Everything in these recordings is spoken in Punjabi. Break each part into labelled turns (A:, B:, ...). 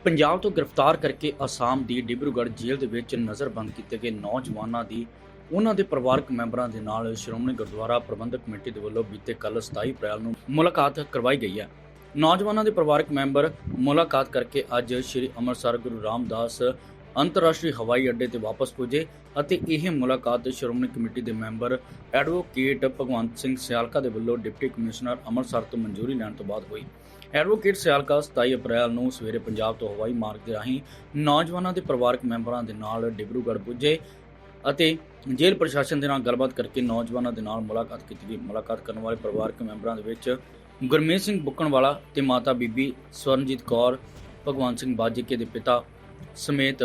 A: ਪੰਜਾਬ ਤੋਂ ਗ੍ਰਿਫਤਾਰ ਕਰਕੇ ਅਸਾਮ ਦੀ ਡਿਬਰੂਗੜ੍ਹ ਜੇਲ੍ਹ ਦੇ ਵਿੱਚ ਨਜ਼ਰਬੰਦ ਕੀਤੇ ਗਏ ਨੌਜਵਾਨਾਂ ਦੀ ਉਹਨਾਂ ਦੇ ਪਰਿਵਾਰਕ ਮੈਂਬਰਾਂ ਦੇ ਨਾਲ ਸ਼੍ਰੋਮਣੀ ਗੁਰਦੁਆਰਾ ਪ੍ਰਬੰਧਕ ਕਮੇਟੀ ਦੇ ਵੱਲੋਂ ਬੀਤੇ ਕੱਲ੍ਹ 27 ਅਪ੍ਰੈਲ ਨੂੰ ਮੁਲਾਕਾਤ ਕਰਵਾਈ ਗਈ ਹੈ। ਨੌਜਵਾਨਾਂ ਦੇ ਪਰਿਵਾਰਕ ਮੈਂਬਰ ਮੁਲਾਕਾਤ ਕਰਕੇ ਅੱਜ ਸ੍ਰੀ ਅੰਮ੍ਰਿਤਸਰ ਗੁਰੂ ਰਾਮਦਾਸ ਅੰਤਰਰਾਸ਼ਟਰੀ ਹਵਾਈ ਅੱਡੇ ਤੇ ਵਾਪਸ ਪੁੱਜੇ ਅਤੇ ਇਹ ਮੁਲਾਕਾਤ ਸ਼੍ਰੋਮਣੀ ਕਮੇਟੀ ਦੇ ਮੈਂਬਰ ਐਡਵੋਕੇਟ ਭਗਵੰਤ ਸਿੰਘ ਸਿਆਲਕਾ ਦੇ ਵੱਲੋਂ ਡਿਪਟੀ ਕਮਿਸ਼ਨਰ ਅੰਮ੍ਰਿਤਸਰ ਤੋਂ ਮਨਜ਼ੂਰੀ ਲੈਣ ਤੋਂ ਬਾਅਦ ਹੋਈ। ਐਡਵੋਕੇਟ ਸਿਆਲਕਾ 27 ਅਪ੍ਰੈਲ ਨੂੰ ਸਵੇਰੇ ਪੰਜਾਬ ਤੋਂ ਹਵਾਈ ਮਾਰਗ ਦੇ ਰਾਹੀਂ ਨੌਜਵਾਨਾਂ ਦੇ ਪਰਿਵਾਰਕ ਮੈਂਬਰਾਂ ਦੇ ਨਾਲ ਡਿਬਰੂਗੜ੍ਹ ਪੁੱਜੇ ਅਤੇ ਜੇਲ੍ਹ ਪ੍ਰਸ਼ਾਸਨ ਦੇ ਨਾਲ ਗੱਲਬਾਤ ਕਰਕੇ ਨੌਜਵਾਨਾਂ ਦੇ ਨਾਲ ਮੁਲਾਕਾਤ ਕੀਤੀ ਗਈ। ਮੁਲਾਕਾਤ ਕਰਨ ਵਾਲੇ ਪਰਿਵਾਰਕ ਮੈਂਬਰਾਂ ਦੇ ਵਿੱਚ ਗੁਰਮੀਤ ਸਿੰਘ ਬੁੱਕਣਵਾਲਾ ਤੇ ਮਾਤਾ ਬੀਬੀ ਸਵਰਨਜੀਤ ਕੌਰ, ਭਗਵੰਤ ਸਿੰਘ ਬਾਜੀਕੇ ਦੇ ਪਿਤਾ ਸਮੇਤ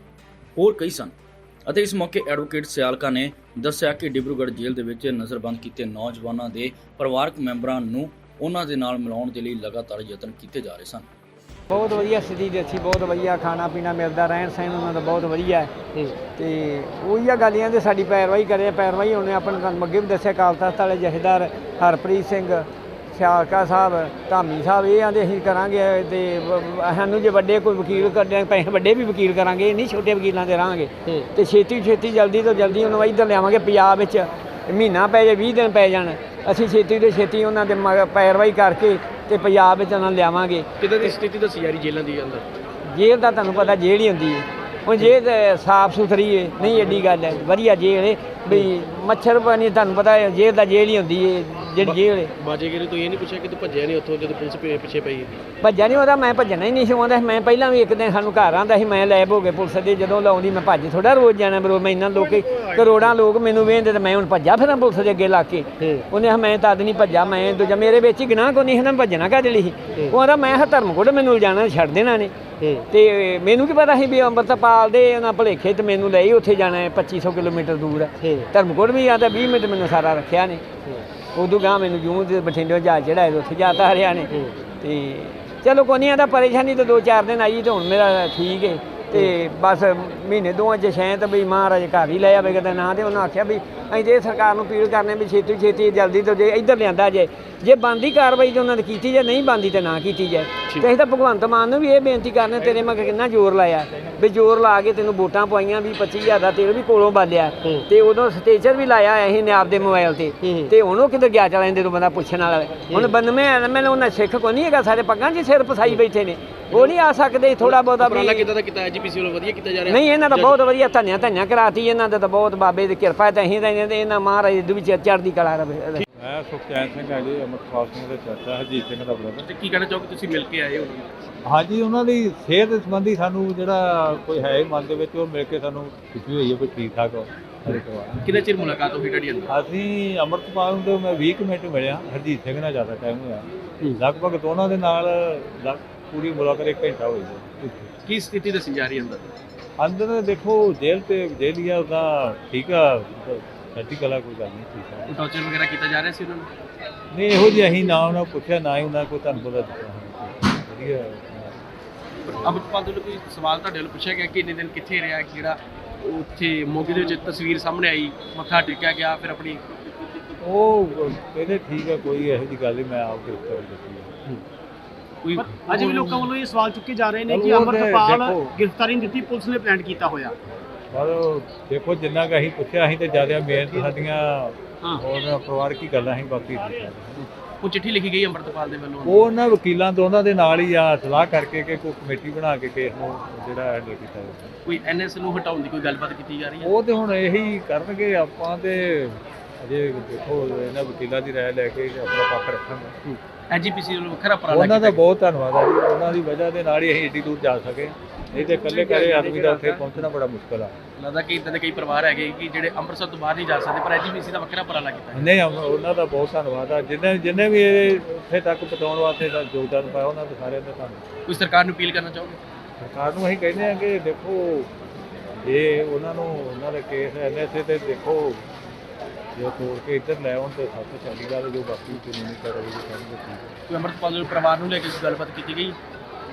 A: ਹੋਰ ਕਈ ਸਨ ਅਤੇ ਇਸ ਮੌਕੇ ਐਡਵੋਕੇਟ ਸਿਆਲਕਾ ਨੇ ਦੱਸਿਆ ਕਿ ਡਿਬਰੂਗੜ੍ਹ ਜੇਲ੍ਹ ਦੇ ਵਿੱਚ ਨਜ਼ਰਬੰਦ ਕੀਤੇ ਨੌਜਵਾਨਾਂ ਦੇ ਪਰਿਵਾਰਕ ਮੈਂਬਰਾਂ ਨੂੰ ਉਹਨਾਂ ਦੇ ਨਾਲ ਮਿਲਾਉਣ ਦੇ ਲਈ ਲਗਾਤਾਰ ਯਤਨ ਕੀਤੇ ਜਾ ਰਹੇ ਸਨ।
B: ਬਹੁਤ ਵਧੀਆ ਸਥਿਤੀ ਦੇਖੀ, ਬਹੁਤ ਵਧੀਆ ਖਾਣਾ ਪੀਣਾ ਮਿਲਦਾ, ਰਹਿਣ ਸਹਿਣ ਉਹਨਾਂ ਦਾ ਬਹੁਤ ਵਧੀਆ ਹੈ ਤੇ ਉਹੀ ਆ ਗਾਲੀਆਂ ਦੇ ਸਾਡੀ ਪੈਰਵਾਈ ਕਰੇ। ਪੈਰਵਾਈ ਉਹਨੇ ਆਪਣੇ ਤੁਹਾਨੂੰ ਅੱਗੇ ਵੀ ਦੱਸਿਆ ਅਕਾਲ ਤਖ਼ਤ ਵਾਲੇ ਜਥੇਦਾਰ ਹਰਪ੍ਰੀਤ ਸਿੰਘ ਸਿਆਲਕਾ ਸਾਹਿਬ, ਧਾਮੀ ਸਾਹਿਬ, ਇਹ ਆਂਦੇ ਅਸੀਂ ਕਰਾਂਗੇ ਤੇ ਸਾਨੂੰ ਜੇ ਵੱਡੇ ਕੋਈ ਵਕੀਲ ਕਰਦੇ ਪੈਸੇ ਵੱਡੇ ਵੀ ਵਕੀਲ ਕਰਾਂਗੇ, ਇਹ ਨਹੀਂ ਛੋਟੇ ਵਕੀਲਾਂ ਦੇ ਰਹਾਂਗੇ ਤੇ ਛੇਤੀ ਜਲਦੀ ਤੋਂ ਜਲਦੀ ਉਹਨੂੰ ਇੱਧਰ ਲਿਆਵਾਂਗੇ। ਪੰਜਾਬ ਵਿੱਚ ਮਹੀਨਾ ਪੈ ਜਾਏ 20 ਦਿਨ ਪੈ ਜਾਣ, ਅਸੀਂ ਛੇਤੀ ਤੋਂ ਛੇਤੀ ਉਹਨਾਂ ਦੇ ਪੈਰਵਾਈ ਕਰਕੇ ਤੇ ਪੰਜਾਬ ਵਿੱਚ ਉਹਨਾਂ ਨੂੰ ਲਿਆਵਾਂਗੇ।
C: ਕਿੱਦਾਂ ਦੀ ਸਥਿਤੀ ਦੱਸੀ ਜਾ ਰਹੀ ਜੇਲ੍ਹਾਂ ਦੀ ਅੰਦਰ?
B: ਜੇਲ੍ਹ ਦਾ ਤੁਹਾਨੂੰ ਪਤਾ ਜੇਲ੍ਹ ਹੀ ਹੁੰਦੀ ਹੈ, ਹੁਣ ਜੇਲ੍ਹ ਸਾਫ਼ ਸੁਥਰੀ ਹੈ, ਨਹੀਂ ਐਡੀ ਗੱਲ ਹੈ, ਵਧੀਆ ਜੇਲ੍ਹ ਹੈ ਵੀ ਮੱਛਰ ਪਾਣੀ ਤੁਹਾਨੂੰ ਪਤਾ ਹੈ, ਜੇਲ੍ਹ ਦਾ ਜੇਲ੍ਹ ਹੀ ਹੁੰਦੀ ਹੈ ਜਿਹੜੀ ਜੇਲ੍ਹ ਹੈ।
C: ਬਾਜੇਗੇ ਤੋਂ ਇਹ ਨਹੀਂ ਪੁੱਛਿਆ ਕਿ ਤੂੰ ਭੱਜਿਆ ਨਹੀਂ ਉੱਥੋਂ ਜਦੋਂ ਪੁਲਿਸ ਪਿੱਛੇ ਪਈ?
B: ਭੱਜਿਆ ਨਹੀਂ, ਉਹਦਾ ਮੈਂ ਭੱਜਣਾ ਹੀ ਨਹੀਂ ਸੀ ਆਉਂਦਾ। ਮੈਂ ਪਹਿਲਾਂ ਵੀ ਇੱਕ ਦਿਨ ਸਾਨੂੰ ਘਰ ਆਉਂਦਾ ਸੀ, ਮੈਂ ਲੈਬ ਹੋ ਗਏ ਪੁਲਿਸ ਦੇ, ਜਦੋਂ ਲਾਉਂਦੀ ਮੈਂ ਭੱਜ ਥੋੜਾ ਰੋਜ਼ ਜਾਣਾ ਬਰੋ। ਮੈਂ ਇੰਨਾ ਲੋਕ ਕਰੋੜਾਂ ਲੋਕ ਮੈਨੂੰ ਵੇਖਦੇ ਤੇ ਮੈਂ ਹੁਣ ਭੱਜਾ ਫਿਰਾਂ ਪੁਲਿਸ ਦੇ ਅੱਗੇ ਲਾ ਕੇ। ਉਹਨੇ ਮੈਂ ਤਦ ਨਹੀਂ ਭੱਜਾ, ਮੈਂ ਦੂਜਾ ਮੇਰੇ ਵਿੱਚ ਹੀ ਗੁਨਾਹ ਕੋਈ ਨਹੀਂ ਸੀ, ਭੱਜਣਾ ਕਾਹਦੇ ਲਈ ਸੀ। ਉਹ ਆਂਦਾ ਮੈਂ ਧਰਮਕੋਟ ਮੈਨੂੰ ਲਿਜਾਣਾ ਛੱਡ ਦੇਣਾ ਨੇ ਤੇ ਮੈਨੂੰ ਕੀ ਪਤਾ ਸੀ ਵੀ ਅੰਮ੍ਰਿਤਪਾਲ ਦੇ ਉਹਨਾਂ ਭੁਲੇਖੇ ਤੇ ਮੈਨੂੰ ਲਈ ਉੱਥੇ ਜਾਣਾ ਹੈ 2500 ਕਿਲੋਮੀਟਰ ਦੂਰ ਹੈ ਧਰਮਕੋਟ ਵੀ ਆਂਦਾ 20 ਮਿੰਟ ਮੈਨੂੰ ਸਾਰਾ ਰੱਖਿਆ ਨੇ। ਉਦੋਂ ਗਾਂ ਮੈਨੂੰ ਜੂੰ ਦੇ ਬਠਿੰਡੇ ਜਹਾਜ਼ ਚੜਾਏ ਉੱਥੇ ਜਾਤਾ ਹਰਿਆ ਨੇ ਤੇ ਚਲੋ ਕੋਈ ਨਹੀਂ ਆਂਦਾ ਪਰੇਸ਼ਾਨੀ ਤਾਂ 2-4 ਦਿਨ ਆਈ ਤੇ ਹੁਣ ਮੇਰਾ ਠੀਕ ਹੈ ਤੇ ਬਸ ਮਹੀਨੇ ਦੋਵਾਂ 'ਚ ਸ਼ਾਇਦ ਵੀ ਮਹਾਰਾਜ ਘਰ ਹੀ ਲੈ ਆਵੇਗਾ ਤਾਂ ਨਾ। ਤੇ ਉਹਨਾਂ ਆਖਿਆ ਵੀ ਅਸੀਂ ਜੇ ਸਰਕਾਰ ਨੂੰ ਅਪੀਲ ਕਰਨੇ ਵੀ ਛੇਤੀ ਜਲਦੀ ਤੋਂ ਜੇ ਇੱਧਰ ਲਿਆਂਦਾ ਜੇ ਬਣਦੀ ਕਾਰਵਾਈ ਤਾਂ ਉਹਨਾਂ ਦੀ ਕੀਤੀ ਜਾਏ, ਨਹੀਂ ਬਣਦੀ ਤਾਂ ਨਾ ਕੀਤੀ ਜਾਏ। ਤੇ ਅਸੀਂ ਤਾਂ ਭਗਵੰਤ ਮਾਨ ਨੂੰ ਵੀ ਇਹ ਬੇਨਤੀ ਕਰਨੇ, ਤੇਰੇ ਮਗਰ ਕਿੰਨਾ ਜ਼ੋਰ ਲਾਇਆ ਵੀ ਜ਼ੋਰ ਲਾ ਕੇ ਤੈਨੂੰ ਵੋਟਾਂ ਪਵਾਈਆਂ, 20-25 ਦਾ ਤੇਲ ਵੀ ਕੋਲੋਂ ਬਾਲਿਆ ਤੇ ਉਦੋਂ ਸਟੇਚਰ ਵੀ ਲਾਇਆ ਅਸੀਂ ਨੇ ਆਪਦੇ ਮੋਬਾਈਲ ਤੇ ਹੁਣ ਉਹ ਕਿੱਧਰ ਗਿਆ ਚਲਾ ਜਦੋਂ ਬੰਦਾ ਪੁੱਛਣ ਵਾਲਾ। ਹੁਣ 92 ਐਮਐਲਏ ਉਹਨਾਂ ਸਿੱਖ ਕੋਈ ਨਹੀਂ ਹੈਗਾ, ਸਾਰੇ ਪੱਗਾਂ 'ਚ ਸਿਰ ਫਸਾਈ ਬੈਠੇ ਨੇ, ਉਹ ਨਹੀਂ ਆ ਸਕਦੇ ਥੋੜਾ ਬਹੁਤਾ ਵੀ।
C: ਕਿੱਦਾਂ ਦਾ ਕੀਤਾ ਐਜੀਪੀਸੀ ਵੱਲੋਂ? ਵਧੀਆ ਕੀਤਾ ਜਾ ਰਿਹਾ?
B: ਨਹੀਂ, ਇਹਨਾਂ ਦਾ ਬਹੁਤ ਵਧੀਆ ਧੰਨਿਆ ਕਰਾਤੀ, ਇਹਨਾਂ ਦਾ ਤਾਂ ਬਹੁਤ ਬਾਬੇ ਦੀ ਕਿਰਪਾ ਤਾਂ ਅਸੀਂ ਤਾਂ ਇਹਨਾਂ ਮਹਾਰਾਜ ਦੇ ਵਿੱਚ ਚੜ੍ਹਦੀ ਕਲਾ ਰਵੇ।
D: ਮੈਂ ਸੁਖਚੈਨ ਸਿੰਘ ਹਾਂ ਜੀ, ਅੰਮ੍ਰਿਤਪਾਲ ਸਿੰਘ ਦੇ ਚਾਚਾ ਹਰਜੀਤ ਸਿੰਘ ਦਾ ਬ੍ਰਦਰ।
C: ਤੇ ਕੀ ਕਹਿਣਾ ਚਾਹੋਗੇ, ਤੁਸੀਂ ਮਿਲ ਕੇ ਆਏ ਹੋ?
D: ਹਾਂਜੀ, ਉਹਨਾਂ ਦੀ ਸਿਹਤ ਸੰਬੰਧੀ ਸਾਨੂੰ ਜਿਹੜਾ ਕੋਈ ਹੈ ਮਨ ਦੇ ਵਿੱਚ, ਉਹ ਮਿਲ ਕੇ ਸਾਨੂੰ ਖੁਸ਼ੀ ਹੋਈ ਹੈ ਵੀ ਠੀਕ ਠਾਕ ਹੋ।
C: ਕਿੰਨੇ ਚਿਰ ਮੁਲਾਕਾਤ ਹੋਈ ਤੁਹਾਡੀ ਅੰਦਰ?
D: ਅਸੀਂ ਅੰਮ੍ਰਿਤਪਾਲ ਨੂੰ ਤੇ ਮੈਂ 20 ਮਿੰਟ ਮਿਲਿਆ, ਹਰਜੀਤ ਸਿੰਘ ਨਾਲ ਜ਼ਿਆਦਾ ਟਾਈਮ ਹੋਇਆ, ਲਗਭਗ ਦੋਨਾਂ ਦੇ ਨਾਲ ਪੂਰੀ ਮੁਲਾਕਾਤ 1 ਘੰਟਾ ਹੋਈ ਹੈ।
C: ਕੀ ਸਥਿਤੀ ਦੱਸੀ ਜਾ ਰਹੀ ਅੰਦਰ?
D: ਅੰਦਰ ਦੇਖੋ ਜੇਲ੍ਹ ਤੇ ਜੇਲ੍ਹ ਆ, ਉਹਦਾ ਠੀਕ ਆ, ਸੱਚੀ ਕਲਾ ਕੋਈ ਗੱਲ ਨਹੀਂ, ਠੀਕ ਆ।
C: ਟੌਰਚਰ ਵਗੈਰਾ ਕੀਤਾ ਜਾ ਰਿਹਾ ਸੀ ਉਹਨਾਂ ਨੂੰ?
D: ਨਹੀਂ, ਇਹੋ ਜਿਹੀ ਅਸੀਂ ਨਾ ਉਹਨਾਂ ਪੁੱਛਿਆ, ਨਾ ਹੀ ਉਹਨਾਂ ਕੋਈ ਤੁਹਾਨੂੰ ਪਤਾ ਦਿੱਤਾ। ਵਧੀਆ
C: ਅੰਮ੍ਰਿਤਪਾਲ ਤੋਂ ਕੋਈ ਸਵਾਲ ਤੁਹਾਡੇ ਵੱਲੋਂ ਪੁੱਛਿਆ ਗਿਆ ਕਿ ਇੰਨੇ ਦਿਨ ਕਿੱਥੇ ਰਿਹਾ, ਜਿਹੜਾ ਉੱਥੇ ਮੋਗੇ ਦੇ ਵਿੱਚ ਤਸਵੀਰ ਸਾਹਮਣੇ ਆਈ, ਮੱਥਾ ਟੇਕਿਆ ਗਿਆ, ਫਿਰ ਆਪਣੀ
D: ਉਹ ਕਹਿੰਦੇ ਠੀਕ ਹੈ, ਕੋਈ ਇਹੋ ਜਿਹੀ ਗੱਲ ਨਹੀਂ, ਮੈਂ ਆਪ ਕੇ ਉੱਤਰ ਦਿੱਤੀ।
C: ਕੋਈ
E: ਅੱਜ ਵੀ ਲੋਕਾਂ ਵੱਲੋਂ ਇਹ ਸਵਾਲ ਚੁੱਕੇ ਜਾ ਰਹੇ ਨੇ ਕਿ ਅੰਮ੍ਰਿਤਪਾਲ ਗ੍ਰਿਫਤਾਰੀ ਨਹੀਂ ਦਿੱਤੀ, ਪੁਲਿਸ ਨੇ ਪਲਾਨ ਕੀਤਾ ਹੋਇਆ।
D: ਪਰ ਦੇਖੋ ਜਿੰਨਾ ਕੁ ਅਸੀਂ ਪੁੱਛਿਆ, ਅਸੀਂ ਤਾਂ ਜ਼ਿਆਦਾ ਮਿਹਨਤ ਸਾਡੀਆਂ ਹੋਰ ਪਰਿਵਾਰ ਕੀ ਗੱਲਾਂ ਅਸੀਂ ਬਾਕੀ
C: ਉਹ ਚਿੱਠੀ ਲਿਖੀ ਗਈ ਅੰਮ੍ਰਿਤਪਾਲ ਦੇ ਵੱਲੋਂ,
D: ਉਹ ਉਹਨਾਂ ਵਕੀਲਾਂ ਦੋਨਾਂ ਦੇ ਨਾਲ ਹੀ ਆ ਸਲਾਹ ਕਰਕੇ ਕਿ ਕੋਈ ਕਮੇਟੀ ਬਣਾ ਕੇ ਕੇਸ ਨੂੰ ਜਿਹੜਾ ਹੈਂਡਲ ਕੀਤਾ ਜਾਵੇ।
C: ਕੋਈ ਐਨਐਸ ਨੂੰ ਹਟਾਉਣ ਦੀ ਕੋਈ ਗੱਲਬਾਤ ਕੀਤੀ ਜਾ ਰਹੀ ਹੈ?
D: ਉਹ ਤੇ ਹੁਣ ਇਹੀ ਕਰਨਗੇ, ਆਪਾਂ ਤੇ ਅਜੇ ਦੇਖੋ ਇਹਨਾਂ ਵਕੀਲਾਂ ਦੀ ਰਾਏ ਲੈ ਕੇ ਆਪਣਾ ਪੱਖ ਰੱਖਾਂਗੇ।
C: ਐਜੀਪੀਸੀ ਵੱਲੋਂ ਵੱਖਰਾ ਉਪਰਾਲਾ
D: ਉਹਨਾਂ ਦਾ ਬਹੁਤ ਧੰਨਵਾਦ ਹੈ ਜੀ, ਉਹਨਾਂ ਦੀ ਵਜ੍ਹਾ ਦੇ ਨਾਲ ਹੀ ਅਸੀਂ ਏਡੀ ਦੂਰ ਜਾ ਸਕੇ, ਨਹੀਂ ਤੇ ਇਕੱਲੇ ਕਰੇ ਆਦਮੀ ਦਾ ਉੱਥੇ ਪਹੁੰਚਣਾ ਬੜਾ ਮੁਸ਼ਕਲ ਆ।
C: ਲੱਗਦਾ ਕਿ ਇਦਾਂ ਦੇ ਕਈ ਪਰਿਵਾਰ ਹੈਗੇ ਕਿ ਜਿਹੜੇ ਅੰਮ੍ਰਿਤਸਰ ਤੋਂ ਬਾਹਰ ਨਹੀਂ ਜਾ ਸਕਦੇ, ਪਰ ਐਜੀਪੀਸੀ ਦਾ ਵੱਖਰਾ ਉਪਰਾਲਾ ਕੀਤਾ।
D: ਨਹੀਂ, ਉਹਨਾਂ ਦਾ ਬਹੁਤ ਧੰਨਵਾਦ ਆ, ਜਿੰਨੇ ਵੀ ਇਹ ਇੱਥੇ ਤੱਕ ਪਹੁੰਚਾਉਣ ਵਾਸਤੇ ਦਾ ਯੋਗਦਾਨ ਪਾਇਆ, ਉਹਨਾਂ ਦਾ ਸਾਰਿਆਂ ਦਾ ਧੰਨਵਾਦ।
C: ਕੋਈ ਸਰਕਾਰ ਨੂੰ ਅਪੀਲ ਕਰਨਾ ਚਾਹੋਗੇ?
D: ਸਰਕਾਰ ਨੂੰ ਅਸੀਂ ਕਹਿੰਦੇ ਹਾਂ ਕਿ ਦੇਖੋ ਜੇ ਉਹਨਾਂ ਨੂੰ ਉਹਨਾਂ ਦਾ ਕੇਸ ਐਨਐਸਏ ਤੇ ਦੇਖੋ ਜੇ ਤੋੜ ਕੇ ਇੱਧਰ ਲੈ ਆਉਣ ਤੇ ਸਭ ਤੋਂ ਚੰਗੀ ਗੱਲ, ਜੋ ਬਾਕੀ ਕਾਨੂੰਨੀ ਕਾਰਵਾਈ ਕਰਨਗੇ ਠੀਕ ਹੈ।
C: ਕੋਈ ਅੰਮ੍ਰਿਤਪਾਲ ਦੇ ਪਰਿਵਾਰ ਨੂੰ ਲੈ ਕੇ ਗੱਲਬਾਤ ਕੀਤੀ ਗਈ?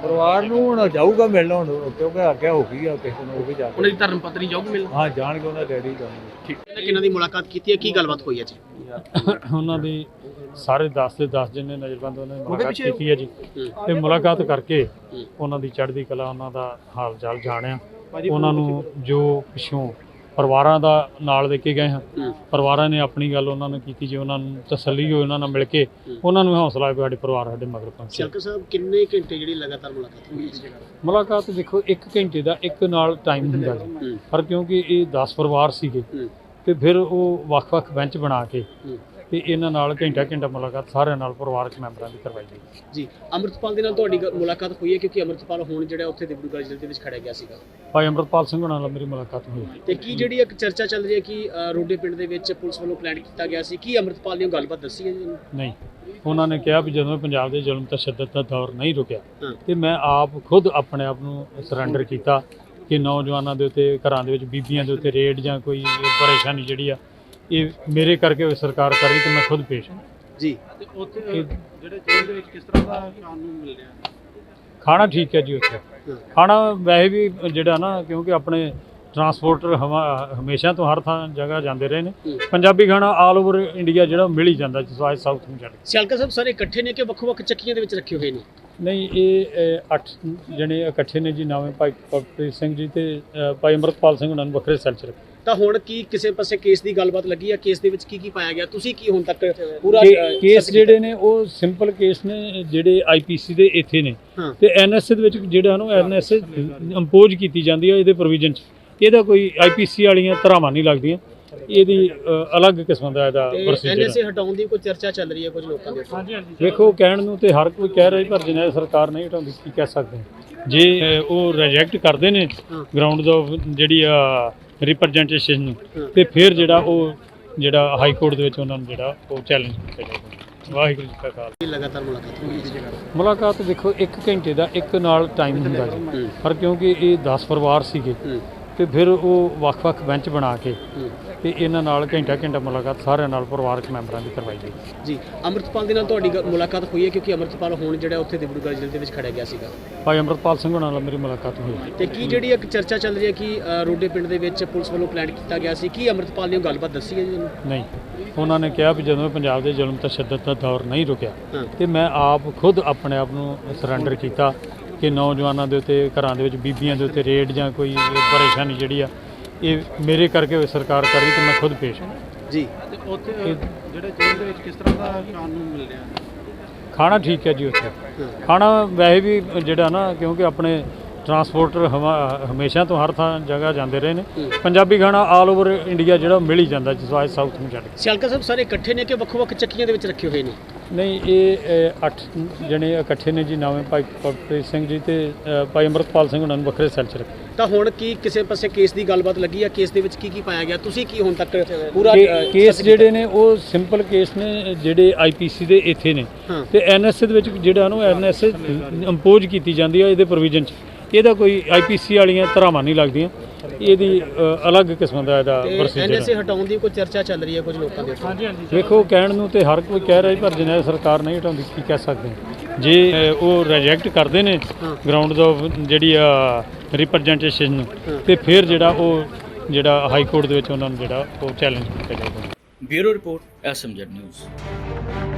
D: ਪਰਿਵਾਰ ਨੂੰ ਹੁਣ ਜਾਊਗਾ ਮਿਲਣ ਹੁਣ, ਕਿਉਂਕਿ ਆਗਿਆ ਹੋ ਗਈ ਆ ਕਿਸੇ ਨੂੰ, ਉਹ ਵੀ ਜਾ
C: ਉਹਨਾਂ ਦੀ ਧਰਮ ਪਤਨੀ ਜਾਊਗੀ ਮਿਲਣ?
D: ਹਾਂ ਜਾਣਗੇ, ਉਹਨਾਂ ਡੈਡੀ ਜਾਣਗੇ।
C: ਠੀਕ। ਕਿਹਨਾਂ ਦੀ ਮੁਲਾਕਾਤ ਕੀਤੀ ਹੈ, ਕੀ ਗੱਲਬਾਤ ਹੋਈ ਹੈ ਜੀ?
F: ਉਹਨਾਂ ਦੀ ਸਾਰੇ 10 ਦੇ 10 ਜਿੰਨੇ ਨਜ਼ਰਬੰਦ ਉਹਨਾਂ ਨੇ ਮੁਲਾਕਾਤ
C: ਪਿੱਛੇ
F: ਕੀਤੀ ਹੈ ਜੀ, ਤੇ ਮੁਲਾਕਾਤ ਕਰਕੇ ਉਹਨਾਂ ਦੀ ਚੜ੍ਹਦੀ ਕਲਾ, ਉਹਨਾਂ ਦਾ ਹਾਲ ਚਾਲ ਜਾਣਿਆ। ਉਹਨਾਂ ਨੂੰ ਜੋ ਪਿੱਛੋਂ ਪਰਿਵਾਰਾਂ ਦਾ ਨਾਲ ਦੇ ਕੇ ਗਏ ਹਾਂ, ਪਰਿਵਾਰਾਂ ਨੇ ਆਪਣੀ ਗੱਲ ਉਹਨਾਂ ਨੂੰ ਕੀਤੀ ਜੀ, ਉਹਨਾਂ ਨੂੰ ਤਸੱਲੀ ਹੋਈ, ਉਹਨਾਂ ਨਾਲ ਮਿਲ ਕੇ ਉਹਨਾਂ ਨੂੰ ਹੌਸਲਾ ਹੈ ਵੀ ਸਾਡੇ ਪਰਿਵਾਰ ਸਾਡੇ ਮਗਰ ਪਹੁੰਚੇ।
C: ਸ਼ਲਕਰ ਸਾਹਿਬ, ਕਿੰਨੇ ਘੰਟੇ ਜਿਹੜੀ ਲਗਾਤਾਰ ਮੁਲਾਕਾਤ ਹੋਈ ਹੈ?
F: ਮੁਲਾਕਾਤ ਦੇਖੋ 1 ਘੰਟੇ ਦਾ ਇੱਕ ਨਾਲ ਟਾਈਮ ਹੁੰਦਾ ਜੀ, ਪਰ ਕਿਉਂਕਿ ਇਹ 10 ਪਰਿਵਾਰ ਸੀਗੇ ਤੇ ਫਿਰ ਉਹ ਵੱਖ-ਵੱਖ ਬੈਂਚ ਬਣਾ ਕੇ ਤੇ ਇਹਨਾਂ ਨਾਲ ਘੰਟਾ ਮੁਲਾਕਾਤ ਸਾਰਿਆਂ ਨਾਲ ਪਰਿਵਾਰਕ ਮੈਂਬਰਾਂ ਦੀ ਕਰਵਾਈ ਗਈ
C: ਜੀ। ਅੰਮ੍ਰਿਤਪਾਲ ਦੇ ਨਾਲ ਤੁਹਾਡੀ ਮੁਲਾਕਾਤ ਹੋਈ ਹੈ, ਕਿਉਂਕਿ ਅੰਮ੍ਰਿਤਪਾਲ ਹੁਣ ਜਿਹੜਾ ਉੱਥੇ ਡਿਬਰੂਗੜ੍ਹ ਜ਼ਿਲ੍ਹੇ ਦੇ ਵਿੱਚ ਖੜਿਆ ਗਿਆ ਸੀਗਾ।
F: ਭਾਈ ਅੰਮ੍ਰਿਤਪਾਲ ਸਿੰਘ ਨਾਲ ਮੇਰੀ ਮੁਲਾਕਾਤ ਹੋਈ।
C: ਤੇ ਕੀ ਜਿਹੜੀ ਇੱਕ ਚਰਚਾ ਚੱਲ ਰਹੀ ਹੈ ਕਿ ਰੋਡੇ ਪਿੰਡ ਦੇ ਵਿੱਚ ਪੁਲਿਸ ਵੱਲੋਂ ਪਲਾਨ ਕੀਤਾ ਗਿਆ ਸੀ, ਕੀ ਅੰਮ੍ਰਿਤਪਾਲ ਨੇ ਉਹ ਗੱਲਬਾਤ ਦੱਸੀ ਹੈ ਜੀ?
F: ਨਹੀਂ, ਉਹਨਾਂ ਨੇ ਕਿਹਾ ਵੀ ਜਦੋਂ ਪੰਜਾਬ ਦੇ ਜ਼ੁਲਮ ਤਸ਼ੱਦਦ ਦਾ ਦੌਰ ਨਹੀਂ ਰੁਕਿਆ ਤੇ ਮੈਂ ਆਪ ਖੁਦ ਆਪਣੇ ਆਪ ਨੂੰ ਸਰੈਂਡਰ ਕੀਤਾ ਕਿ ਨੌਜਵਾਨਾਂ ਦੇ ਉੱਤੇ, ਘਰਾਂ ਦੇ ਵਿੱਚ ਬੀਬੀਆਂ ਦੇ ਉੱਤੇ ਰੇਡ ਜਾਂ ਕੋਈ ਪਰੇਸ਼ਾਨੀ ਜਿਹੜੀ ਆ ਇਹ ਮੇਰੇ ਕਰਕੇ ਸਰਕਾਰ ਕਰ ਰਹੀ ਤੇ ਮੈਂ ਖੁਦ ਪੇਸ਼ ਹਾਂ
C: ਜੀ।
E: ਤੇ ਉੱਥੇ ਜਿਹੜੇ ਜੇਲ੍ਹ ਦੇ ਵਿੱਚ ਕਿਸ ਤਰ੍ਹਾਂ ਦਾ ਖਾਣ ਨੂੰ ਮਿਲ ਰਿਹਾ?
F: ਖਾਣਾ ਠੀਕ ਹੈ ਜੀ, ਉੱਥੇ ਖਾਣਾ ਵੈਸੇ ਵੀ ਜਿਹੜਾ ਨਾ, ਕਿਉਂਕਿ ਆਪਣੇ ਟਰਾਂਸਪੋਰਟਰ ਹਮੇਸ਼ਾ ਤੋਂ ਹਰ ਥਾਂ ਜਗ੍ਹਾ ਜਾਂਦੇ ਰਹੇ ਨੇ, ਪੰਜਾਬੀ ਖਾਣਾ ਆਲ ਓਵਰ ਇੰਡੀਆ ਜਿਹੜਾ ਮਿਲ ਹੀ ਜਾਂਦਾ ਜਿਸ ਸਾਊਥ ਨੂੰ ਛੱਡ ਕੇ।
C: ਸ਼ਲਕਰ ਸਾਹਿਬ, ਸਾਰੇ ਇਕੱਠੇ ਨੇ ਕਿ ਵੱਖ-ਵੱਖ ਚੱਕੀਆਂ ਦੇ ਵਿੱਚ ਰੱਖੇ ਹੋਏ ਨੇ?
F: ਨਹੀਂ, ਇਹ 8 ਜਣੇ ਇਕੱਠੇ ਨੇ ਜੀ, ਨਾਵੇਂ ਭਾਈ ਪਵਪ੍ਰੀਤ ਸਿੰਘ ਜੀ ਤੇ ਭਾਈ ਅੰਮ੍ਰਿਤਪਾਲ ਸਿੰਘ ਉਹਨਾਂ ਨੂੰ ਵੱਖਰੇ ਸੈੱਲ 'ਚ ਰੱਖਿਆ।
C: ਤਾਂ ਹੁਣ ਕੀ ਕਿਸੇ ਪਾਸੇ ਕੇਸ ਦੀ ਗੱਲਬਾਤ ਲੱਗੀ ਹੈ? ਕੇਸ ਦੇ ਵਿੱਚ ਕੀ ਪਾਇਆ ਗਿਆ? ਤੁਸੀਂ ਕੀ ਹੁਣ ਤੱਕ ਪੂਰਾ
F: ਕੇਸ ਜਿਹੜੇ ਨੇ ਉਹ ਸਿੰਪਲ ਕੇਸ ਨੇ, ਜਿਹੜੇ ਆਈਪੀਸੀ ਦੇ ਇੱਥੇ ਨੇ ਤੇ ਐਨਐਸਏ ਦੇ ਵਿੱਚ ਜਿਹੜਾ ਨੂੰ ਐਨਐਸਏ ਇੰਪੋਜ਼ ਕੀਤੀ ਜਾਂਦੀ ਹੈ ਇਹਦੇ ਪ੍ਰੋਵੀਜ਼ਨ 'ਚ, ਇਹਦਾ ਕੋਈ ਆਈਪੀਸੀ ਵਾਲੀਆਂ ਧਾਰਾਵਾਂ ਨਹੀਂ ਲੱਗਦੀਆਂ, ਇਹਦੀ ਅਲੱਗ ਕਿਸਮ ਦਾ ਇਹਦਾ ਪ੍ਰੋਸੀਜਰ ਹੈ।
C: ਐਨਐਸਏ ਹਟਾਉਣ ਦੀ ਕੋਈ ਚਰਚਾ ਚੱਲ ਰਹੀ ਹੈ ਕੁਝ ਲੋਕਾਂ ਦੇ? ਹਾਂਜੀ ਹਾਂਜੀ।
F: ਵੇਖੋ, ਕਹਿਣ ਨੂੰ ਤੇ ਹਰ ਕੋਈ ਕਹਿ ਰਿਹਾ, ਪਰ ਜਿੰਨਾ ਸਰਕਾਰ ਨਹੀਂ ਹਟਾਉਂਦੀ ਕੀ ਕਹਿ ਸਕਦੇ ਹਾਂ। ਜੇ ਉਹ ਰਿਜੈਕਟ ਕਰਦੇ ਨੇ ਗਰਾਊਂਡ ਦਾ ਜਿਹੜੀ ਆ ਰਿਪਰੈਜ਼ੈਂਟੇਸ਼ਨ ਨੂੰ, ਤੇ ਫਿਰ ਜਿਹੜਾ ਹਾਈ ਕੋਰਟ ਦੇ ਵਿੱਚ ਉਹਨਾਂ ਨੂੰ ਜਿਹੜਾ ਉਹ ਚੈਲੰਜ ਕੀਤਾ ਜਾਊਗਾ। ਵਾਹਿਗੁਰੂ ਜੀ ਕਾ ਖਾਲਸਾ।
C: ਲਗਾਤਾਰ ਮੁਲਾਕਾਤ ਹੋਈ ਹੈ?
F: ਮੁਲਾਕਾਤ ਦੇਖੋ 1 ਘੰਟੇ ਦਾ ਇੱਕ ਨਾਲ ਟਾਈਮ ਹੁੰਦਾ ਜੀ, ਪਰ ਕਿਉਂਕਿ ਇਹ 10 ਪਰਿਵਾਰ ਸੀਗੇ ਤੇ ਫਿਰ ਉਹ ਵੱਖ-ਵੱਖ ਬੈਂਚ ਬਣਾ ਕੇ ਤੇ ਇਹਨਾਂ ਨਾਲ ਘੰਟਾ ਮੁਲਾਕਾਤ ਸਾਰਿਆਂ ਨਾਲ ਪਰਿਵਾਰਕ ਮੈਂਬਰਾਂ ਦੀ ਕਰਵਾਈ ਗਈ
C: ਜੀ। ਅੰਮ੍ਰਿਤਪਾਲ ਦੇ ਨਾਲ ਤੁਹਾਡੀ ਮੁਲਾਕਾਤ ਹੋਈ ਹੈ, ਕਿਉਂਕਿ ਅੰਮ੍ਰਿਤਪਾਲ ਹੁਣ ਜਿਹੜਾ ਉੱਥੇ ਡਿਬਰੂਗੜ੍ਹ ਜ਼ਿਲ੍ਹੇ ਦੇ ਵਿੱਚ ਖੜਿਆ ਗਿਆ ਸੀਗਾ।
F: ਭਾਈ ਅੰਮ੍ਰਿਤਪਾਲ ਸਿੰਘ ਨਾਲ ਮੇਰੀ ਮੁਲਾਕਾਤ ਹੋਈ।
C: ਤੇ ਕੀ ਜਿਹੜੀ ਇੱਕ ਚਰਚਾ ਚੱਲ ਰਹੀ ਹੈ ਕਿ ਰੋਡੇ ਪਿੰਡ ਦੇ ਵਿੱਚ ਪੁਲਿਸ ਵੱਲੋਂ ਪਲਾਨ ਕੀਤਾ ਗਿਆ ਸੀ, ਕੀ ਅੰਮ੍ਰਿਤਪਾਲ ਨੇ ਉਹ ਗੱਲਬਾਤ ਦੱਸੀ ਹੈ ਜੀ?
F: ਨਹੀਂ, ਉਹਨਾਂ ਨੇ ਕਿਹਾ ਵੀ ਜਦੋਂ ਪੰਜਾਬ ਦੇ ਜ਼ੁਲਮ ਤਸ਼ੱਦਦ ਦਾ ਦੌਰ ਨਹੀਂ ਰੁਕਿਆ ਤੇ ਮੈਂ ਆਪ ਖੁਦ ਆਪਣੇ ਆਪ ਨੂੰ ਸਰੈਂਡਰ ਕੀਤਾ ਕਿ ਨੌਜਵਾਨਾਂ ਦੇ ਉੱਤੇ, ਘਰਾਂ ਦੇ ਵਿੱਚ ਬੀਬੀਆਂ ਦੇ ਉੱਤੇ ਰੇਡ ਜਾਂ ਕੋਈ ਪਰੇਸ਼ਾਨੀ ਜਿਹੜੀ ਆ ਇਹ ਮੇਰੇ ਕਰਕੇ ਸਰਕਾਰ ਕਰ ਰਹੀ ਤੇ ਮੈਂ ਖੁਦ ਪੇਸ਼ ਹਾਂ
C: ਜੀ।
E: ਤੇ ਉੱਥੇ ਜਿਹੜੇ ਜੇਲ੍ਹ ਦੇ ਵਿੱਚ ਕਿਸ ਤਰ੍ਹਾਂ ਦਾ ਖਾਣ ਨੂੰ ਮਿਲ ਰਿਹਾ?
F: ਖਾਣਾ ਠੀਕ ਹੈ ਜੀ, ਉੱਥੇ ਖਾਣਾ ਵੈਸੇ ਵੀ ਜਿਹੜਾ ਨਾ, ਕਿਉਂਕਿ ਆਪਣੇ ਟਰਾਂਸਪੋਰਟਰ ਹਮੇਸ਼ਾ ਤੋਂ ਹਰ ਥਾਂ ਜਗ੍ਹਾ ਜਾਂਦੇ ਰਹੇ ਨੇ, ਪੰਜਾਬੀ ਖਾਣਾ ਆਲ ਓਵਰ ਇੰਡੀਆ ਜਿਹੜਾ ਮਿਲ ਹੀ ਜਾਂਦਾ ਜਿਸ ਸਾਊਥ ਨੂੰ ਛੱਡ ਕੇ।
C: ਸ਼ਲਕਰ ਸਾਹਿਬ, ਸਾਰੇ ਇਕੱਠੇ ਨੇ ਕਿ ਵੱਖ-ਵੱਖ ਚੱਕੀਆਂ ਦੇ ਵਿੱਚ ਰੱਖੇ ਹੋਏ ਨੇ?
F: ਨਹੀਂ, ਇਹ 8 ਜਣੇ ਇਕੱਠੇ ਨੇ ਜੀ, ਨਾਵੇਂ ਭਾਈ ਪਵਪ੍ਰੀਤ ਸਿੰਘ ਜੀ ਤੇ ਭਾਈ ਅੰਮ੍ਰਿਤਪਾਲ ਸਿੰਘ ਉਹਨਾਂ ਨੂੰ ਵੱਖਰੇ ਸੈੱਲ 'ਚ ਰੱਖਿਆ।
C: ਤਾਂ ਹੁਣ ਕੀ ਕਿਸੇ ਪਾਸੇ ਕੇਸ ਦੀ ਗੱਲਬਾਤ ਲੱਗੀ ਹੈ? ਕੇਸ ਦੇ ਵਿੱਚ ਕੀ ਪਾਇਆ ਗਿਆ? ਤੁਸੀਂ ਕੀ ਹੁਣ ਤੱਕ ਪੂਰਾ
F: ਕੇਸ ਜਿਹੜੇ ਨੇ ਉਹ ਸਿੰਪਲ ਕੇਸ ਨੇ, ਜਿਹੜੇ ਆਈਪੀਸੀ ਦੇ ਇੱਥੇ ਨੇ ਤੇ ਐਨਐਸਏ ਦੇ ਵਿੱਚ ਜਿਹੜਾ ਨੂੰ ਐਨਐਸਏ ਇੰਪੋਜ਼ ਕੀਤੀ ਜਾਂਦੀ ਹੈ ਇਹਦੇ ਪ੍ਰੋਵੀਜ਼ਨ 'ਚ, ਇਹਦਾ ਕੋਈ ਆਈਪੀਸੀ ਵਾਲੀਆਂ ਧਾਰਾਵਾਂ ਨਹੀਂ ਲੱਗਦੀਆਂ, ਇਹਦੀ ਅਲੱਗ ਕਿਸਮ ਦਾ ਇਹਦਾ ਪ੍ਰੋਸੀਜਰ ਹੈ।
C: ਐਨਐਸਏ ਹਟਾਉਣ ਦੀ ਕੋਈ ਚਰਚਾ ਚੱਲ ਰਹੀ ਹੈ ਕੁਝ ਲੋਕਾਂ ਦੇ? ਹਾਂਜੀ ਹਾਂਜੀ।
F: ਵੇਖੋ, ਕਹਿਣ ਨੂੰ ਤੇ ਹਰ ਕੋਈ ਕਹਿ ਰਿਹਾ, ਪਰ ਜਿੰਨਾ ਸਰਕਾਰ ਨਹੀਂ ਹਟਾਉਂਦੀ ਕੀ ਕਹਿ ਸਕਦੇ ਹਾਂ। ਜੇ ਉਹ ਰਿਜੈਕਟ ਕਰਦੇ ਨੇ ਗਰਾਊਂਡ ਦਾ ਜਿਹੜੀ ਆ ਰਿਪਰੈਜ਼ੈਂਟੇਸ਼ਨ ਨੂੰ, ਤੇ ਫਿਰ ਜਿਹੜਾ ਹਾਈ ਕੋਰਟ ਦੇ ਵਿੱਚ ਉਹਨਾਂ ਨੂੰ ਜਿਹੜਾ ਉਹ ਚੈਲੰਜ ਕੀਤਾ ਜਾਊਗਾ।
A: Bureau report, SMZ news.